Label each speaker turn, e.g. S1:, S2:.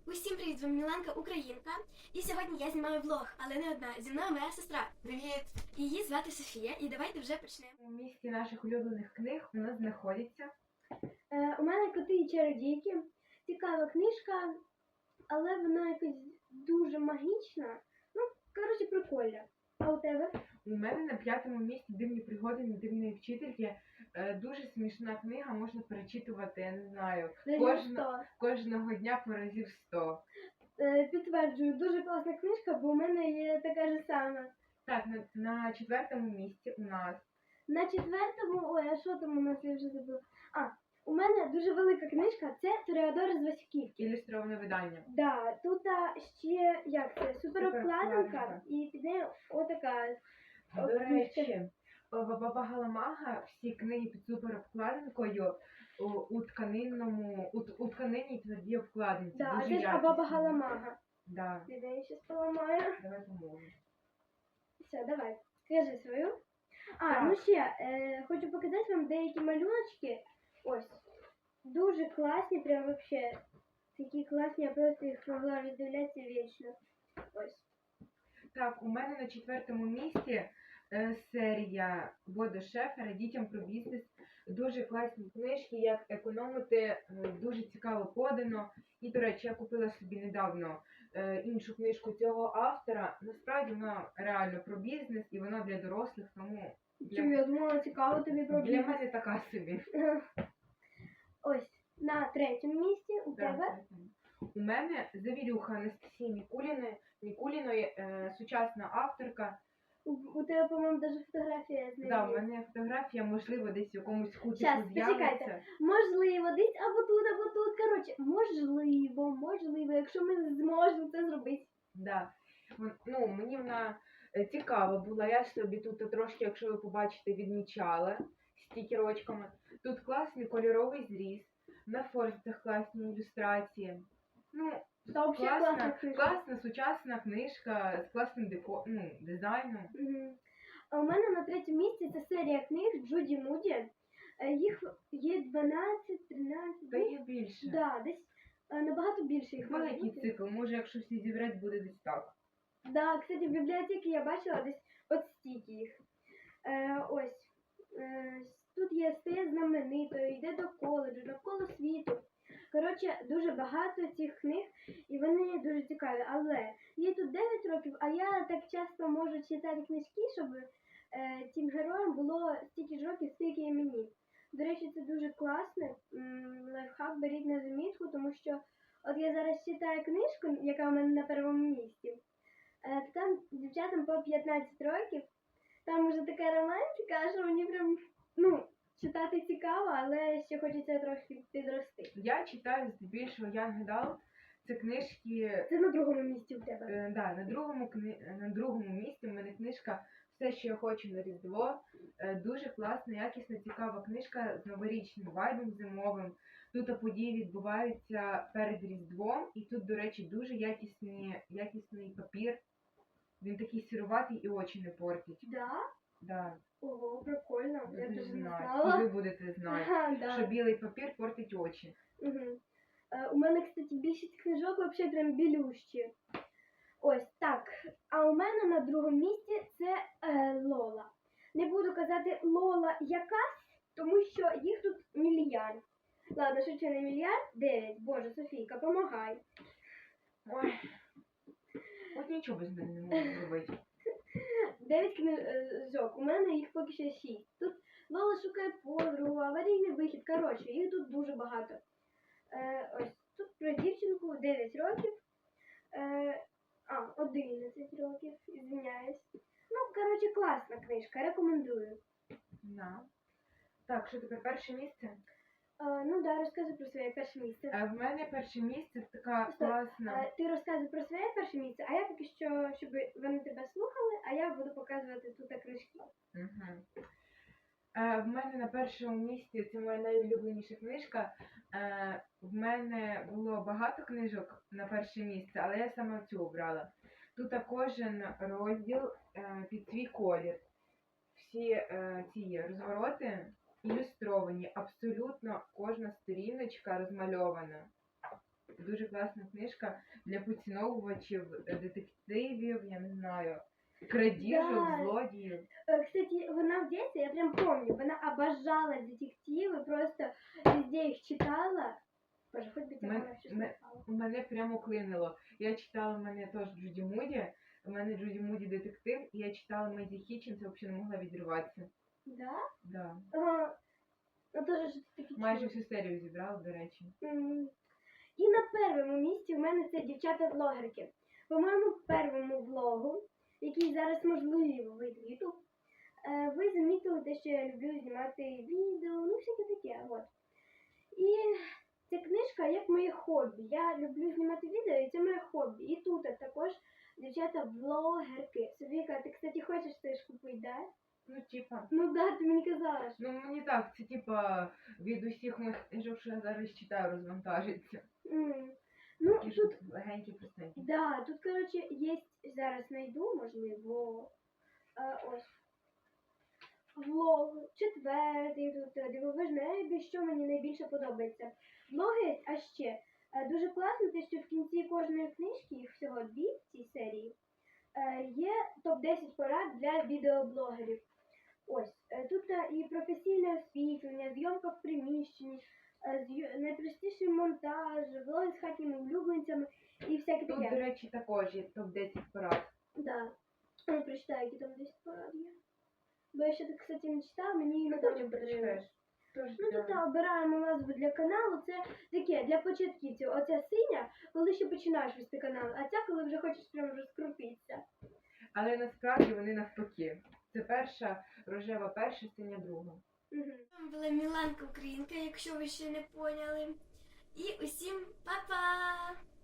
S1: Усім привіт, з вами Міланка Українка. І сьогодні я знімаю влог, але не одна. Зі мною моя сестра.
S2: Привіт!
S1: Її звати Софія, і давайте вже почнемо.
S2: У місті наших улюблених книг у нас знаходиться.
S3: У мене коти і чародійки. Цікава книжка, але вона якась дуже магічна. Ну, коротше, прикольна. А у тебе?
S2: У мене на 5-му місці «Дивні пригоди недивної вчительки». Дуже смішна книга, можна перечитувати, я не знаю, кожного дня по разів 100.
S3: Підтверджую, дуже класна книжка, бо у мене є така ж сама.
S2: Так, на 4-му місці у нас.
S3: На 4-му, ой, а що там у нас, я вже забула. У мене дуже велика книжка, це Тореадор з Васюківки.
S2: Ілюстроване видання.
S3: Да, тут ще, як це, суперобкладинка,
S2: Суперобкладинка.
S3: і під нею отака.
S2: До речі, Баба Галамага всі книги під суперобкладинкою у тканині твердій обкладинці.
S3: Да, а
S2: Дуже
S3: це ж
S2: якісно.
S3: Баба Галамага.
S2: Да.
S3: Я її щас поламаю.
S2: Давай поможемо.
S3: Все, давай, скажи свою.
S2: Так.
S3: Ну ще, хочу показати вам деякі малюночки. Ось. Дуже класні, прям вообще. Такі класні, я просто їх могла роздивлятися вічно. Ось.
S2: Так, у мене на 4-му місці серія Бодо Шефера «Дітям про бізнес». Дуже класні книжки, як економити, дуже цікаво подано. І, до речі, я купила собі недавно іншу книжку цього автора. Насправді вона реально про бізнес і вона для дорослих, тому
S3: Чому я думала, цікаво тобі про
S2: для
S3: бізнес.
S2: мене така собі.
S3: Ось, на 3-му місці у тебе.
S2: Так. У мене Завірюха Анастасії Мікуліної, сучасна авторка.
S3: У тебе, по-моєму, навіть фотографія з нею.
S2: Да, в мене фотографія, можливо, десь в якомусь кутику
S3: Щас,
S2: з'явиться.
S3: почекайте. Можливо, десь або тут. Коротше, можливо, якщо ми зможемо це зробити.
S2: Да. Ну, мені вона цікава була. Я собі тут трошки, якщо ви побачите, відмічала стікерочками. Тут класний кольоровий зріз, на форзицях класні ілюстрації. Ну,
S3: Та взагалі класна книжка.
S2: класна сучасна книжка з класним дизайном.
S3: Мгм. А у мене на 3-му місці це серія книг Джуді Муді. Їх є 12, 13.
S2: Та є більше.
S3: Да, десь набагато більше їх може
S2: Великий
S3: бути.
S2: цикл, може, якщо всі зібрати, буде десь так.
S3: Да, кстати, в бібліотеці я бачила десь от стільки їх. Ось. Тут є «Стає знаменитою», «Йде до коледжу», «Навколо світу». Коротше, дуже багато цих книг, і вони дуже цікаві. Але їй тут 9 років, а я так часто можу читати книжки, щоб цим героям було стільки ж років, скільки і мені. До речі, це дуже класно. Лайфхак беріть на замітку, тому що от я зараз читаю книжку, яка у мене на 1-му місці. Там дівчатам по 15 років. Там уже така романтика, що мені прям, читати цікаво, але ще хочеться трохи підрости.
S2: Я читаю здебільшого Young Adult. Це книжки.
S3: Це на 2-му місці у тебе.
S2: Да, на другому місці в мене книжка «Все, що я хочу на Різдво». Дуже класна, якісна, цікава книжка з новорічним вайбом зимовим. Тут події відбуваються перед Різдвом, і тут, до речі, дуже якісний папір. Він такий сіруватий і очі не портить.
S3: Да?
S2: Да,
S3: Ого, прикольно. Я
S2: дуже
S3: дуже не
S2: знаю.
S3: знала.
S2: І ви будете знати,
S3: Ага, да.
S2: що білий папір портить очі.
S3: Угу. У мене, кстати, більшість книжок взагалі прям білющі. Ось так. А у мене на 2-му місці це Лола. Не буду казати Лола якась, тому що їх тут мільярд. Ладно, що це не мільярд? 9. Боже, Софійка, помагай.
S2: Ой, от нічого без мене не можу зробити.
S3: 9 книжок. У мене їх поки що 6. Тут Лола шукає подругу, аварійний вихід. Коротше, їх тут дуже багато. Ось тут про дівчинку 9 років. 11 років, извиняюсь. Коротше, класна книжка, рекомендую.
S2: Да. Так, що тепер перше місце?
S3: Да, розказуй про своє перше місце.
S2: В мене перше місце така
S3: Стоп.
S2: класна.
S3: Ти розказуй про своє перше місце, а я поки що, щоб вони тебе слухали, а я буду показувати тут книжки.
S2: Угу. В мене на першому місці, це моя найулюбленіша книжка. В мене було багато книжок на перше місце, але я саме цю обрала. Тут кожен розділ під свій колір. Всі ці розвороти ілюстровані, абсолютно кожна сторіночка розмальована. дуже класна книжка для поціновувачів детективів, я не знаю, крадіжок,
S3: Да.
S2: злодіїв.
S3: Кстати, вона в детстве, я прям помню, вона обожала детективы, просто везде их читала. Боже, хоть бы тебя
S2: Мен-
S3: она всё
S2: мен-
S3: слыхала.
S2: Мене прямо клинило. Я читала, в мене теж Джуді Муді, у мене Джуді Муді детектив, і я читала Меді Хітченс, взагалі не могла відірватися.
S3: Да?
S2: Да.
S3: Ну тоже ж такі
S2: Майже
S3: чули.
S2: всю серію зібрала, до речі.
S3: І на першому місці в мене це дівчата-влогерки. По моєму першому влогу, який зараз можливо вийде в YouTube, ви замітили те, що я люблю знімати відео, ну всяке таке. От. І ця книжка як моє хобі. Я люблю знімати відео, і це моє хобі. І тут також дівчата-влогерки. Софійка, ти, кстати, хочеш теж купити, да?
S2: Ну, типа.
S3: Ну да, ти мені казала. Що...
S2: Ну, мені так, це типа від усіх моїх книжок, що я зараз читаю, розвантажиться.
S3: Ну,
S2: Такі ж
S3: тут,
S2: легенькі, простенькі.
S3: да, тут, коротше, є, зараз знайду, можливо, ось, влог, четвертий, тут дивовижне небі, що мені найбільше подобається. Влоги є, а ще, дуже класно те, що в кінці кожної книжки, їх всього 2 в цій серії, є топ-10 порад для відеоблогерів. Ось, тут і професійне освітлення, зйомка в приміщенні, найпростіший монтаж, влоги з хатніми улюбленцями і всяке
S2: Тут,
S3: таке.
S2: до речі, також є топ-10 порад.
S3: Да. Ну, прочитаю, які там 10 порад є. Бо я ще так, кстати, не читала, мені
S2: Ну,
S3: іноді
S2: потім
S3: потрібно.
S2: прочитаєш. Тож,
S3: Ну,
S2: да.
S3: тут обираємо назву для каналу. Це таке, для початківців. Оця синя, коли ще починаєш вести канал, а ця, коли вже хочеш прямо розкрутитися.
S2: Але насправді вони навпаки. Це перша, рожева перша, синя друга.
S3: Угу.
S1: З вами була Міланка Українка, якщо ви ще не поняли. І усім па-па!